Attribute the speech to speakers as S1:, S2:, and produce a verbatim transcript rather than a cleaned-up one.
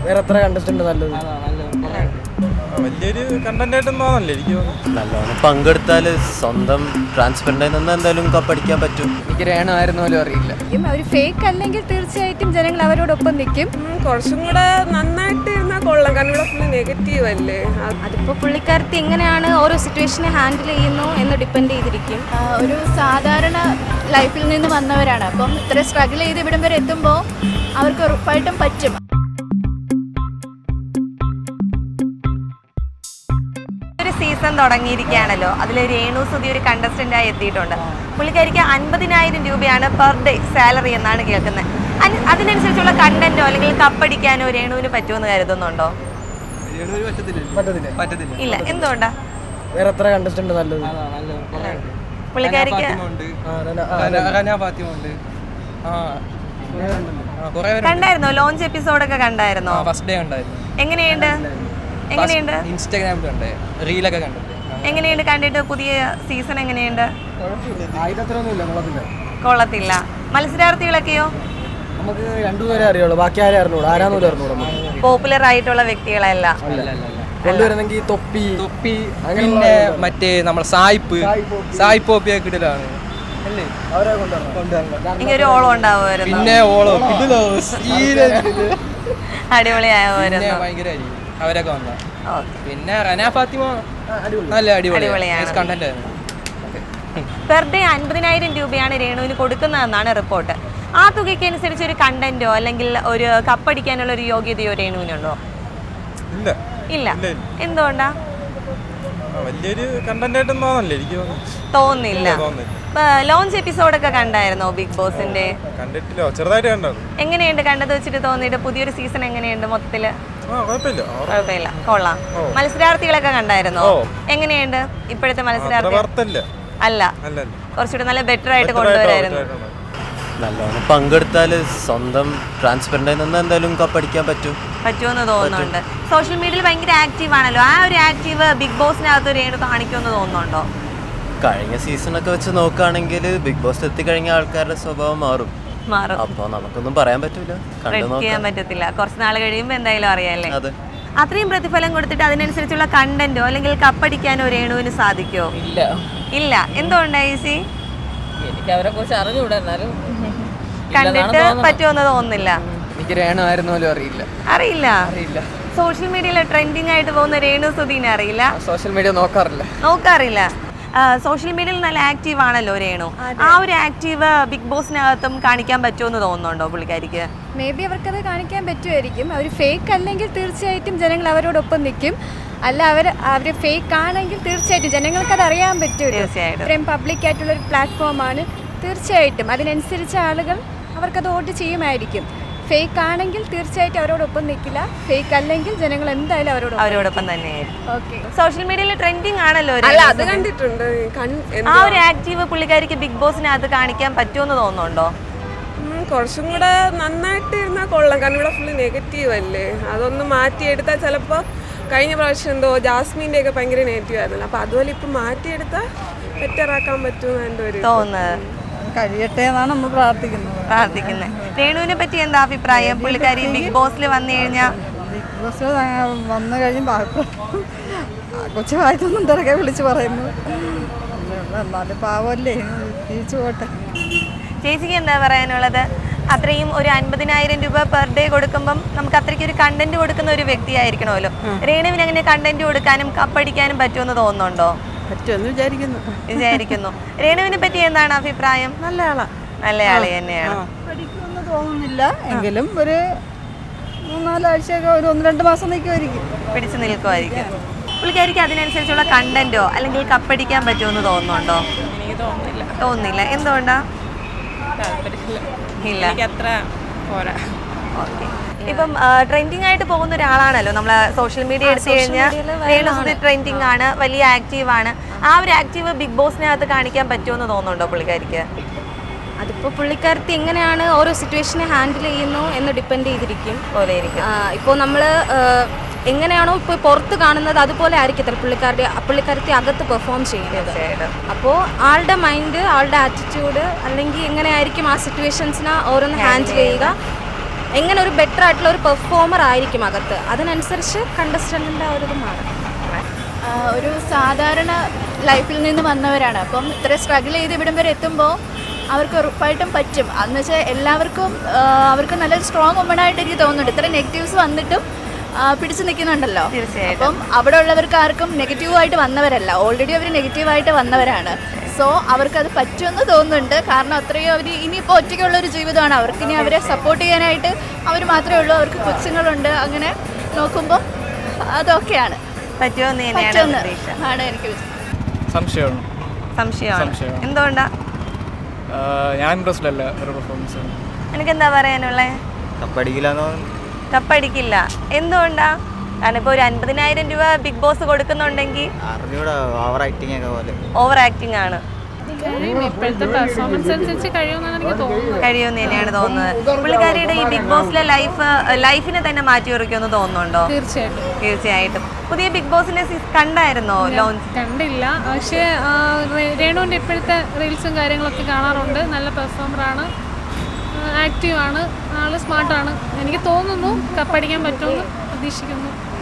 S1: വേറെ എത്ര കണ്ടസ്റ്റന്റ് നല്ലത്?
S2: വലിയൊരു കണ്ടന്റ് ആയിട്ടൊന്നും തോന്നല്ലേ എനിക്ക് തോന്നുന്നു.
S3: നല്ലോണം പങ്കെടുത്താൽ സ്വന്തം ട്രാൻസ്പെറൻ്റ് നിന്ന് എന്തായാലും കപ്പടിക്കാൻ പറ്റും.
S1: എനിക്ക് രേണു ആയിരുന്നു പോലും അറിയില്ല.
S4: ഒരു ഫേക്ക് അല്ലെങ്കിൽ തീർച്ചയായിട്ടും ജനങ്ങൾ അവരോടൊപ്പം നിൽക്കും.
S5: കുറച്ചും കൂടെ നന്നായിട്ട് ഇരുന്നാൽ കൊള്ളാം. കാരണം ഇവിടെ ഫുള്ള് നെഗറ്റീവ് അല്ലേ.
S4: അതിപ്പോൾ പുള്ളിക്കാരത്തി എങ്ങനെയാണ് ഓരോ സിറ്റുവേഷനെ ഹാൻഡിൽ ചെയ്യുന്നു എന്ന് ഡിപ്പെൻഡ് ചെയ്തിരിക്കും. ഒരു സാധാരണ ലൈഫിൽ നിന്ന് വന്നവരാണ്. അപ്പം ഇത്ര സ്ട്രഗിൾ ചെയ്ത് ഇവിടം വരെ എത്തുമ്പോൾ അവർക്ക് ഉറപ്പായിട്ടും പറ്റും.
S6: സീസൺ തുടങ്ങിയിരിക്കുകയാണല്ലോ. അതിൽ രേണു സുധി ഒരു കണ്ടസ്റ്റൻ്റായി എത്തിയിട്ടുണ്ട്. പുള്ളിക്കാരിക്ക് അൻപതിനായിരം രൂപയാണ് പെർ ഡേ സാലറി എന്നാണ് കേൾക്കുന്നത്. അതിനനുസരിച്ചുള്ള കണ്ടന്റോ അല്ലെങ്കിൽ കപ്പടിക്കാനോ രേണുവിന് പറ്റുമെന്ന് കരുതുന്നുണ്ടോ? ഇല്ല. എന്തുകൊണ്ടാ?
S1: വേറെ എത്ര കണ്ടസ്റ്റന്റ് നല്ലത്?
S6: പുള്ളിക്കാരിക്ക് കണ്ടായിരുന്നോ? ലോഞ്ച് എപ്പിസോഡൊക്കെ കണ്ടായിരുന്നോ?
S7: ഫസ്റ്റ് ഡേ കണ്ടായിരുന്നു.
S6: എങ്ങനെയുണ്ട് എങ്ങനെയുണ്ട്
S7: ഇൻസ്റ്റാഗ്രാമിൽ കണ്ടേ, റീലൊക്കെ കണ്ടിട്ട്
S6: എങ്ങനെയുണ്ട് കണ്ടിട്ട്? പുതിയ സീസൺ എങ്ങനെയുണ്ട്? കൊള്ളത്തില്ല. മത്സരാർത്ഥികളൊക്കെയോ?
S1: നമുക്ക് രണ്ടുപേരെ അറിയുള്ളൂ, ബാക്കി ആരെ അറിഞ്ഞൂടാ. ആരാന്നൂടെ അറിഞ്ഞൂടാ.
S6: പോപ്പുലർ ആയിട്ടുള്ള വ്യക്തികളല്ല
S1: കൊണ്ടുവരുന്നെങ്കിൽ തൊപ്പി
S7: തൊപ്പി പിന്നെ മറ്റേ നമ്മൾ സായിപ്പ് സായിപ്പ് ഓപ്പിയൊക്കെ ഇടലാണ്.
S6: ഇങ്ങനെ ഒരു ഓളം ഉണ്ടാവുമായിരുന്നു.
S7: പിന്നെ ഓളോ
S6: അടിപൊളിയാവുമായിരുന്നു.
S7: ഭയങ്കരമായിരിക്കും അവരൊക്കെ വന്ന. പിന്നെ റന ഫാത്തിമ നല്ല അടിപൊളിയാണ് കണ്ടന്റ് ആയിരുന്നു.
S6: പെർ ഡേ അൻപതിനായിരം രൂപയാണ് രേണുവിന് കൊടുക്കുന്നതെന്നാണ് റിപ്പോർട്ട്. ആ തുകയ്ക്ക് അനുസരിച്ച് ഒരു കണ്ടന്റോ അല്ലെങ്കിൽ ഒരു കപ്പടിക്കാനുള്ള ഒരു യോഗ്യതയോ രേണുവിനുണ്ടോ? ഇല്ല. എന്തുകൊണ്ടാ?
S2: വലിയൊരു കണ്ടന്റ് ആയിട്ടൊന്നും തോന്നല്ലേ എനിക്ക്
S6: തോന്നുന്നില്ല. ലോഞ്ച് എപ്പിസോഡൊക്കെ കണ്ടായിരുന്നോ ബിഗ് ബോസിന്റെ?
S2: കണ്ടിട്ടില്ല, ചെറുതായിട്ട് കണ്ടത്.
S6: എങ്ങനെയുണ്ട് കണ്ടത് വെച്ചിട്ട് തോന്നിയിട്ട്? പുതിയൊരു സീസൺ എങ്ങനെയുണ്ട് മൊത്തത്തില്? കുഴപ്പമില്ല, കൊള്ളാം. മത്സരാർത്ഥികളൊക്കെ കണ്ടായിരുന്നോ? എങ്ങനെയുണ്ട് ഇപ്പോഴത്തെ മത്സരാർത്ഥി? അല്ല, കുറച്ചുകൂടെ നല്ല ബെറ്റർ ആയിട്ട് കൊണ്ടുവരായിരുന്നു.
S3: നല്ലോണം പങ്കെടുത്താൽ സ്വന്തം ട്രാൻസ്പെറൻ്റ് നിന്ന് എന്തായാലും കപ്പടിക്കാൻ പറ്റും
S6: പറ്റുമെന്ന് തോന്നുന്നുണ്ട്. സോഷ്യൽ മീഡിയയിൽ ഭയങ്കര ആക്റ്റീവ് ആണല്ലോ. ആ ഒരു ആക്റ്റീവ് ബിഗ് ബോസിനകത്ത് രേണു കാണിക്കുമെന്ന് തോന്നുന്നുണ്ടോ?
S3: കഴിഞ്ഞ സീസണൊക്കെ വെച്ച് നോക്കുകയാണെങ്കിൽ ബിഗ് ബോസ് എത്തിക്കഴിഞ്ഞ ആൾക്കാരുടെ സ്വഭാവം മാറും.
S6: മാറും.
S3: അപ്പൊ നമുക്കൊന്നും പറയാൻ പറ്റില്ല,
S6: ചെയ്യാൻ പറ്റത്തില്ല. കുറച്ച് നാൾ കഴിയുമ്പോൾ എന്തായാലും അറിയാല്ലേ. അത്രയും പ്രതിഫലം കൊടുത്തിട്ട് അതിനനുസരിച്ചുള്ള കണ്ടന്റോ അല്ലെങ്കിൽ കപ്പടിക്കാനോ രേണുവിന് സാധിക്കോ?
S7: ഇല്ല.
S6: ഇല്ല. എന്തുകൊണ്ടായി?
S7: എനിക്ക് അവരെ കുറിച്ച് അറിഞ്ഞൂടാ,
S6: കണ്ടിട്ട് പറ്റുമെന്ന് തോന്നുന്നില്ല.
S1: എനിക്ക് രേണു ആയിരുന്നു പോലും അറിയില്ല.
S6: അറിയില്ല. അറിയില്ല. സോഷ്യൽ മീഡിയയിൽ ട്രെൻഡിങ് ആയിട്ട് പോകുന്ന രേണു സുധീനെ അറിയില്ല.
S1: സോഷ്യൽ മീഡിയ നോക്കാറില്ല
S6: നോക്കാറില്ല സോഷ്യൽ മീഡിയയിൽ നല്ല ആക്റ്റീവ് ആണല്ലോ രേണു. ആ ഒരു ആക്റ്റീവ് ബിഗ് ബോസിനകത്തും കാണിക്കാൻ പറ്റുമെന്ന് തോന്നുന്നുണ്ടോ പുള്ളിക്കാരിക്ക്?
S4: മേ ബി അവർക്കത് കാണിക്കാൻ പറ്റുമായിരിക്കും. അവർ ഫേക്ക് അല്ലെങ്കിൽ തീർച്ചയായിട്ടും ജനങ്ങൾ അവരോടൊപ്പം നിൽക്കും. അല്ല, അവർ അവർ ഫേക്ക് ആണെങ്കിൽ തീർച്ചയായിട്ടും ജനങ്ങൾക്കത് അറിയാൻ പറ്റും.
S6: തീർച്ചയായിട്ടും
S4: ഇത്രയും പബ്ലിക് ആയിട്ടുള്ളൊരു പ്ലാറ്റ്ഫോമാണ്. തീർച്ചയായിട്ടും അതിനനുസരിച്ച് ആളുകൾ അവർക്കത് വോട്ട് ചെയ്യുമായിരിക്കും. ഫേക്ക് ആണെങ്കിൽ തീർച്ചയായിട്ടും അവരോടൊപ്പം നിൽക്കില്ല. ഫേക്ക് അല്ലെങ്കിൽ ജനങ്ങൾ എന്തായാലും അവരോട്
S6: അവരോടൊപ്പം തന്നെയായിരിക്കും.
S4: ഓക്കെ.
S6: സോഷ്യൽ മീഡിയയിൽ ട്രെൻഡിങ് ആണല്ലോ.
S5: അത് കണ്ടിട്ടുണ്ട്.
S6: ആ ഒരു ആക്റ്റീവ് പുള്ളിക്കാരിക്ക് ബിഗ് ബോസിനകത്ത് കാണിക്കാൻ പറ്റുമെന്ന് തോന്നുന്നുണ്ടോ?
S5: കുറച്ചും കൂടെ നന്നായിട്ട് ഇരുന്നാൽ കൊള്ളാം. കാരണം ഇവിടെ ഫുള്ള് നെഗറ്റീവ് അല്ലേ. അതൊന്ന് മാറ്റിയെടുത്താൽ ചിലപ്പോൾ കഴിഞ്ഞ പ്രാവശ്യം എന്തോ ജാസ്മിൻ്റെ ഒക്കെ ഭയങ്കര നെഗറ്റീവ് ആയിരുന്നല്ലോ. അപ്പോൾ അതുപോലെ ഇപ്പം മാറ്റിയെടുത്താൽ ബെറ്ററാക്കാൻ പറ്റുമെന്ന് എൻ്റെ ഒരു
S6: തോന്നുന്നത്.
S8: കഴിയട്ടെ എന്നാണ് നമ്മൾ പ്രാർത്ഥിക്കുന്നത്
S6: പ്രാർത്ഥിക്കുന്നത് രേണുവിനെ പറ്റി എന്താ അഭിപ്രായം? പുള്ളിക്കാരി ബിഗ് ബോസിൽ വന്നു കഴിഞ്ഞാൽ
S8: ബിഗ് ബോസിൽ വന്നു കഴിയുമ്പോൾ കൊച്ചുവായിട്ടൊന്നും തിരക്കെ വിളിച്ച് പറയുന്നു. എന്നാലും പാവമല്ലേ, തിരിച്ചു പോട്ടെ.
S6: ചേച്ചിക്ക് എന്താ പറയാനുള്ളത്? അത്രയും ഒരു അൻപതിനായിരം രൂപ പെർ ഡേ കൊടുക്കുമ്പം നമുക്ക് അത്രയ്ക്ക് ഒരു കണ്ടന്റ് കൊടുക്കുന്ന ഒരു വ്യക്തിയായിരിക്കണമല്ലോ. രേണുവിന് അങ്ങനെ കണ്ടന്റ് കൊടുക്കാനും കപ്പടിക്കാനും പറ്റുമെന്ന് തോന്നുന്നുണ്ടോ?
S8: പറ്റുമെന്ന് വിചാരിക്കുന്നു
S6: വിചാരിക്കുന്നു രേണുവിനെ പറ്റി എന്താണ് അഭിപ്രായം?
S8: നല്ല ആളാ.
S6: നല്ല ആള് തന്നെയാണ്.
S8: പഠിക്കുമെന്ന് തോന്നുന്നില്ല, എങ്കിലും ഒരു മൂന്നാലാഴ്ചയൊക്കെ ഒരു ഒന്ന് രണ്ട് മാസം നിൽക്കുമായിരിക്കും,
S6: പിടിച്ചു നിൽക്കുമായിരിക്കും. പുള്ളിക്കാരിക്ക് അതിനനുസരിച്ചുള്ള കണ്ടന്റോ അല്ലെങ്കിൽ കപ്പടിക്കാൻ പറ്റുമെന്ന് തോന്നുന്നുണ്ടോ?
S5: എനിക്ക് തോന്നുന്നില്ല.
S6: തോന്നുന്നില്ല. എന്തുകൊണ്ടാ? ഇല്ല.
S5: അത്ര പോരാ.
S6: ഓക്കെ. ഇപ്പം ട്രെൻഡിങ് ആയിട്ട് പോകുന്ന ഒരാളാണല്ലോ നമ്മള് സോഷ്യൽ മീഡിയ എടുത്തു കഴിഞ്ഞാൽ. രേണു സുധി ട്രെൻഡിങ് ആണ്, വലിയ ആക്റ്റീവ് ആണ്. ആ ഒരു ആക്റ്റീവ് ബിഗ് ബോസിനകത്ത് കാണിക്കാൻ പറ്റുമെന്ന് തോന്നുന്നുണ്ടോ പുള്ളിക്കാരിക്ക്?
S4: അതിപ്പോൾ പുള്ളിക്കാരത്തി എങ്ങനെയാണ് ഓരോ സിറ്റുവേഷനെ ഹാൻഡിൽ ചെയ്യുന്നു എന്ന് ഡിപ്പെൻഡ് ചെയ്തിരിക്കും. ഇപ്പോൾ നമ്മൾ എങ്ങനെയാണോ ഇപ്പോൾ പുറത്ത് കാണുന്നത് അതുപോലെ ആയിരിക്കത്തില്ല പുള്ളിക്കാരുടെ പുള്ളിക്കാരത്തി അകത്ത് പെർഫോം ചെയ്യുന്നത്. അപ്പോൾ ആളുടെ മൈൻഡ്, ആളുടെ ആറ്റിറ്റ്യൂഡ് അല്ലെങ്കിൽ എങ്ങനെയായിരിക്കും ആ സിറ്റുവേഷൻസിനെ ഓരോന്ന് ഹാൻഡിൽ ചെയ്യുക എങ്ങനെ ഒരു ബെറ്റർ ആയിട്ടുള്ള ഒരു പെർഫോമർ ആയിരിക്കും അകത്ത്, അതിനനുസരിച്ച് കണ്ടസ്റ്റൻറ്റിൻ്റെ ഒരു ഇത് മാറും.
S9: ഒരു സാധാരണ ലൈഫിൽ നിന്ന് വന്നവരാണ്, അപ്പം ഇത്ര സ്ട്രഗിൾ ചെയ്ത് ഇവിടം വരെ എത്തുമ്പോൾ അവർക്ക് ഉറപ്പായിട്ടും പറ്റും. അതെന്ന് വെച്ചാൽ എല്ലാവർക്കും അവർക്ക് നല്ലൊരു സ്ട്രോങ് വുമണായിട്ട് എനിക്ക് തോന്നുന്നുണ്ട്. ഇത്ര നെഗറ്റീവ്സ് വന്നിട്ടും പിടിച്ചു നിൽക്കുന്നുണ്ടല്ലോ. അപ്പം അവിടെ ഉള്ളവർക്ക് ആർക്കും നെഗറ്റീവായിട്ട് വന്നവരല്ല, ഓൾറെഡി അവർ നെഗറ്റീവായിട്ട് വന്നവരാണ്. സോ അവർക്കത് പറ്റുമെന്ന് തോന്നുന്നുണ്ട്. കാരണം അത്രയും അവർ ഇനിയിപ്പോൾ ഒറ്റയ്ക്കുള്ളൊരു ജീവിതമാണ്, അവർക്കിനി അവരെ സപ്പോർട്ട് ചെയ്യാനായിട്ട് അവർ മാത്രമേ ഉള്ളൂ. അവർക്ക് കൊച്ചുങ്ങളുണ്ട്. അങ്ങനെ നോക്കുമ്പോൾ അതൊക്കെയാണ് പറ്റുമെന്ന് ആണ് എനിക്ക്
S2: സംശയമാണ്.
S6: സംശയമാണ്. എന്തുകൊണ്ടാ?
S2: ഞാൻ ഇൻട്രസ്റ്റ് അല്ല ഒരു പെർഫോമൻസ്.
S6: എനിക്ക് എന്താ പറയാനുള്ളേ?
S3: കപ്പടിക്കില്ലെന്നോ?
S6: കപ്പടിക്കില്ല. എന്തുകൊണ്ടാ? കാരണം ഇപ്പോൾ ഒരു അൻപതിനായിരം രൂപ ബിഗ് ബോസ് കൊടുക്കുന്നുണ്ടെങ്കിൽ
S3: ഓവർ ആക്ടിങ് ഒക്കെ പോലെ
S6: ഓവർ ആക്ടിങ് ആണ്.
S5: ഇപ്പോഴത്തെ പെർഫോമൻസ് അനുസരിച്ച് കഴിയുമെന്നാണ് എനിക്ക് തോന്നുന്നത്.
S6: കഴിയുമെന്ന് തന്നെയാണ് തോന്നുന്നത്. പുള്ളിക്കാരിയുടെ ഈ ബിഗ് ബോസിലെ ലൈഫ് ലൈഫിനെ തന്നെ മാറ്റി ഉറക്കുമെന്ന് തോന്നുന്നുണ്ടോ?
S5: തീർച്ചയായിട്ടും
S6: തീർച്ചയായിട്ടും. പുതിയ ബിഗ് ബോസിന്റെ കണ്ടായിരുന്നോ ലോഞ്ച്?
S5: കണ്ടില്ല, പക്ഷേ രേണുവിൻ്റെ ഇപ്പോഴത്തെ റീൽസും കാര്യങ്ങളൊക്കെ കാണാറുണ്ട്. നല്ല പെർഫോമറാണ്, ആക്റ്റീവാണ്, ആള് സ്മാർട്ടാണ്. എനിക്ക് തോന്നുന്നു കപ്പടിക്കാൻ പറ്റുമെന്ന് പ്രതീക്ഷിക്കുന്നു.